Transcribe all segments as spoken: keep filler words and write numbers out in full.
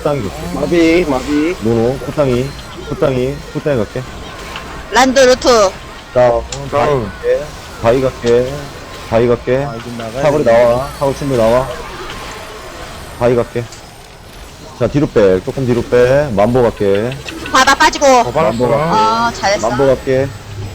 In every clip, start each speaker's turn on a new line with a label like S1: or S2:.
S1: 코땅이 갈게.
S2: 마비, 마비.
S1: 노노, 코땅이, 코땅이, 코땅이 갈게.
S3: 란드 루트.
S1: 다운,
S2: 다운.
S1: 바위 갈게. 바위 갈게.
S4: 아, 이제 나가야
S1: 사거리
S4: 되네.
S1: 나와. 사거리 충분히 나와. 바위 갈게. 자, 뒤로 빼. 조금 뒤로 빼. 만보 갈게.
S3: 바다 빠지고.
S2: 더 받았어.
S3: 어, 잘했어.
S1: 만보 갈게.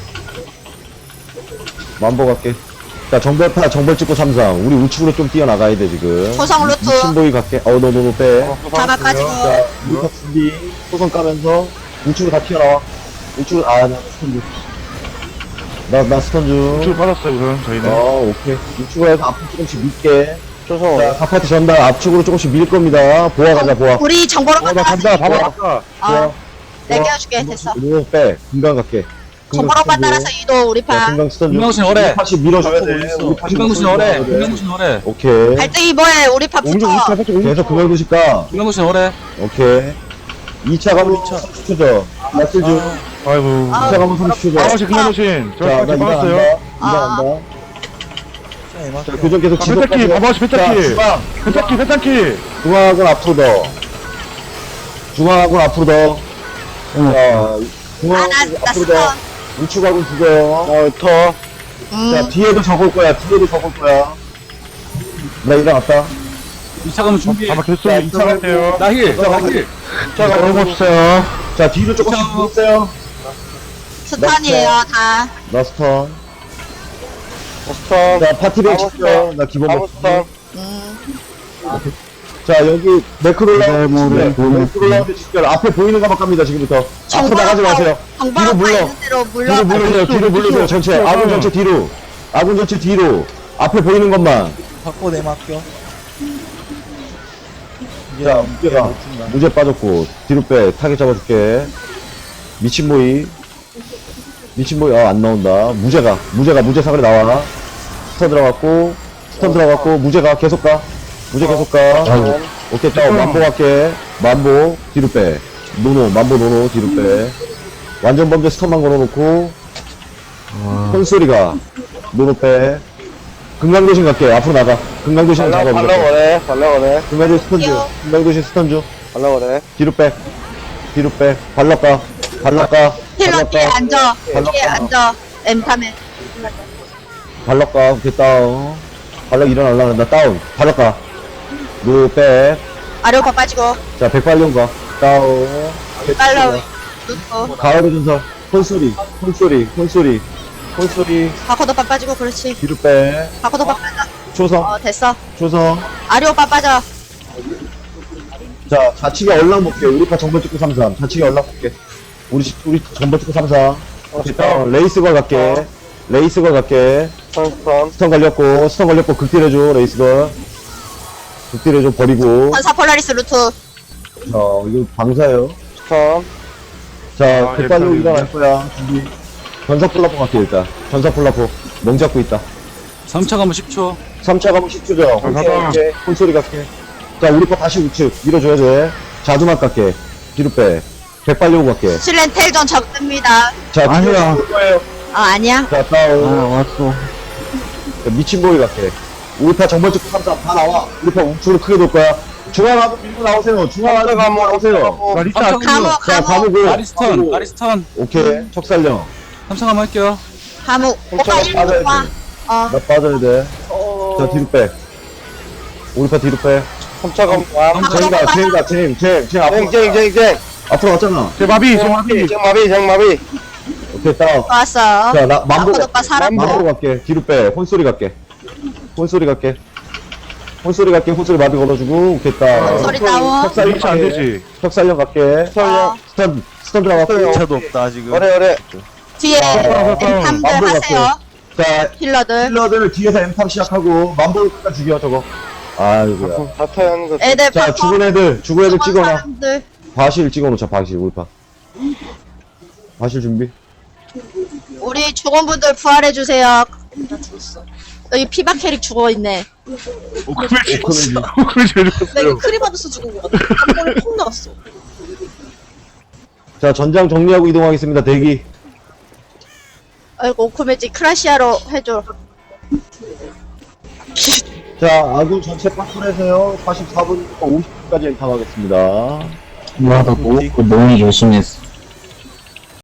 S1: 만보 갈게. 자, 정벌 파, 정벌 찍고 삼상. 우리 우측으로 좀 뛰어나가야 돼, 지금.
S3: 초성 루트.
S1: 신보이 갈게. 어, 너, 너, 너 빼.
S3: 바다 빠지고.
S1: 자, 우리 탑 준비. 소선 까면서 우측으로 다 튀어나와. 우측으로, 아, 나 스턴 중. 나, 나 스턴 중.
S2: 쭉 받았어요, 우선, 저희는.
S1: 어, 오케이. 우측으로 해서 앞으로 조금씩 밀게.
S2: 초성.
S1: 자, 카파트 전달 앞쪽으로 조금씩 밀 겁니다. 보아 가자, 보아.
S3: 우리 정보로
S2: 어, 나 간다,
S3: 따라서.
S2: 봐봐, 아까.
S3: 어, 내가 깨워줄게. 됐어.
S1: 이거 빼. 금강 갈게.
S3: 정보로 따라서 이도 우리
S1: 자,
S3: 파.
S1: 금강 스턴 중.
S5: 금강신 어래.
S1: 다시 밀어줘야 돼. 우리 파시
S5: 김강구신
S1: 밀어줘야
S5: 어래.
S1: 돼.
S5: 김강구신 어래.
S1: 오케이.
S3: 갈등이 뭐해? 우리 파
S2: 옹주,
S3: 붙어.
S2: 우차, 살짝 옹주.
S1: 계속 금강 도시 가.
S5: 김강구신 어래.
S1: 오케이. 이 차 가면 삼십 초죠. 나쓸 중.
S2: 아이고.
S3: 아,
S1: 이 차 가면 삼십 초죠.
S2: 아버지 그만하신. 저
S1: 자, 나
S2: 같이
S1: 이거
S2: 받았어요.
S1: 간다. 이거
S3: 아.
S1: 간다.
S4: 자, 이만
S1: 자, 교정 계속
S2: 아, 세탁기,
S1: 지속하세요.
S2: 봐봐, 세탁기.
S1: 자, 중앙.
S2: 세탁기, 세탁기.
S1: 중앙하고 앞으로 더. 중앙하고 앞으로 더. 자,
S3: 아,
S1: 중앙하고
S3: 나, 나
S1: 앞으로 더.
S3: 스턴.
S1: 우측하고 죽어요.
S2: 어, 터.
S1: 자,
S3: 음.
S1: 뒤에도 적을 거야. 뒤에도 적을 거야. 나 일어났다.
S5: 이 차 가면 준비해.
S2: 아마 개수 이 차 같아요.
S5: 나힐. 나힐.
S2: 자, 넘어봅시다.
S1: 자, 뒤로 조금씩
S5: 자.
S1: 밀었어요.
S3: 스턴이에요, 다.
S1: 나 스턴.
S2: 버스턴.
S1: 자, 파티를
S2: 아무
S1: 칠게요. 나 기본 먹
S2: 버스턴.
S3: 음.
S1: 자, 여기 매크롤라
S2: 네, 뭐, 네, 뭐, 네.
S1: 매크롤라운드 집결 앞에 보이는 것만 갑니다, 지금부터. 앞으로 나가지 마세요. 뒤로
S3: 정보로 파
S1: 물러.
S3: 있는 대로 물러.
S1: 뒤로 물러세요. 뒤로 물러세요. 전체. 아군 전체 뒤로. 아군 전체 뒤로. 앞에 보이는 것만.
S4: 받고 내 맡겨. 이제
S1: 자, 무게가.
S4: 못 준다.
S1: 무제 빠졌고. 뒤로 빼. 타겟 잡아줄게. 미친 모이. 미친 모이. 아, 안 나온다. 무제가. 무제가. 무제 사거리 나와. 스턴 들어갔고. 스턴 들어갔고. 무제가. 계속 가. 무제 계속 가. 오케이, 다운. 만보 갈게. 만보. 뒤로 빼. 노노. 만보 노노. 뒤로 빼. 완전 범죄 스턴만 걸어놓고. 콘소리가. 노노 빼. 금강도신 갈게. 앞으로 나가. 금강도신은
S2: 발라,
S1: 잡아.
S2: 발라
S1: 무조건.
S2: 거래. 발라 거래.
S1: 금강도신 스턴 중.
S3: 귀여워.
S1: 금강도신 스턴 중.
S2: 발라 거래.
S1: 뒤로 빼. 뒤로 빼. 발락가. 발락가.
S3: 힐러 뒤에
S1: 발락가.
S3: 앉아.
S1: 발락
S3: 뒤에
S1: 가.
S3: 앉아. 엠카메.
S1: 발락가. 오케이, 다운. 발락 일어나려면 나 다운. 발락가. 노 빼.
S3: 아래오파 빠지고.
S1: 자, 백발령 가. 다운.
S3: 빨라. 루트.
S1: 가을의 전설. 콘소리. 콘소리. 콘소리. 콘소리.
S3: 바코도파 빠지고. 그렇지.
S1: 뒤로 빼.
S3: 바코도파 빠져.
S1: 초성.
S3: 어, 됐어.
S1: 초성.
S3: 아래오파 빠져.
S1: 자, 좌측에 얼랑 볼게. 우리 파 정벌 찍고 삼삼. 좌측에 얼랑 볼게. 우리, 시- 우리 정벌 찍고 삼삼. 오케이, 다운. 레이스걸 갈게. 레이스걸 갈게.
S2: 스턴,
S1: 스턴 걸렸고, 스턴 걸렸고, 극딜해줘, 레이스걸. 극딜해줘, 버리고.
S3: 전사 폴라리스 루트.
S1: 자, 이거 방사예요.
S2: 스턴.
S1: 자,
S2: 아,
S1: 백발로
S2: 예,
S1: 일어날 거야. 준비. 전사 폴라포 갈게, 일단. 전사 폴라포. 멍 잡고 있다.
S5: 삼 차 가면 십 초.
S1: 삼 차 가면 십 초죠.
S2: 아,
S1: 오케이,
S2: 가자.
S1: 오케이. 콘소리 갈게. 자, 우리 거 다시 우측. 밀어줘야 돼. 자두만 갈게. 뒤로 빼. 백발용 갈게.
S3: 실렌 텔전 적습니다.
S1: 자,
S2: 아니야.
S1: 뒤로 거예요.
S3: 어, 아니야.
S1: 자, 다운.
S2: 왔어.
S1: 자, 미친 보이 갈게. 우리 파 정벌 찍고 삼삼 다 나와. 우리 파 우측으로 크게 돌 거야. 중앙하고 밀고 나오세요. 중앙하고 밀고 나오세요.
S2: 나 리타.
S5: 삼 차
S3: 감옥,
S1: 자,
S3: 감옥,
S1: 가보고.
S5: 아리스턴. 아리스턴.
S1: 오케이. 척살령.
S5: 삼 차 가면 할게요.
S3: 감옥. 오빠
S1: 빠져야
S3: 일로 와.
S1: 돼.
S3: 어,
S1: 나 빠져야 돼. 자, 뒤로 빼. 우리 파 뒤로 빼.
S2: 삼차가 왕.
S1: 쟁이다, 쟁이다, 쟁, 쟁, 쟁. 앞으로,
S2: 쟁, 쟁, 쟁.
S1: 앞으로 왔잖아.
S2: 제 마비, 제 마비. 쟁 마비, 쟁 마비.
S1: 오케이, 다운.
S3: 왔어.
S1: 자, 나, 만보,
S3: 아쿠도 오빠 살았고.
S1: 만보로 갈게. 뒤로 빼. 혼소리 갈게. 혼소리 갈게. 혼소리 갈게. 혼소리 마비 걸어주고. 오케이, 다운.
S3: 소리 다운.
S1: 척살령
S2: 리치 안
S1: 갈게.
S2: 되지.
S1: 척살령 갈게.
S3: 어,
S1: 스턴, 스턴 들어갔고.
S4: 차도 없다, 지금.
S2: 어래, 어래.
S3: 뒤에
S1: 어,
S3: 엠탐들
S1: 만보
S3: 하세요.
S1: 자,
S3: 힐러들.
S1: 힐러들 뒤에서 엠탑 시작하고, 만보를 끝까지 죽여, 저거. 아이고야.
S2: 다 타야 하는 거.
S3: 애들
S1: 자,
S3: 바꿔.
S1: 죽은 애들, 죽은 애들
S3: 죽은
S1: 찍어놔.
S3: 사람들.
S1: 바실 찍어놓자, 바실, 울파. 바실 준비.
S3: 우리 죽은 분들 부활해주세요. 여기 피박 캐릭 죽어있네.
S2: 오크메지.
S1: 오크메지.
S2: 오크메지 왜
S6: 나 이거
S2: 죽었어요?
S6: 크리바드스 죽은 거 같아. 한 번에 폭 나갔어.
S1: 자, 전장 정리하고 이동하겠습니다. 대기.
S3: 아이고, 오크메지 크라시아로 해줘.
S1: 자, 아군 전체 파출해서요. 사십사 분부터 오십 분까지 엔터하겠습니다.
S4: 와, 나 뭐, 그 너무 열심히 했어.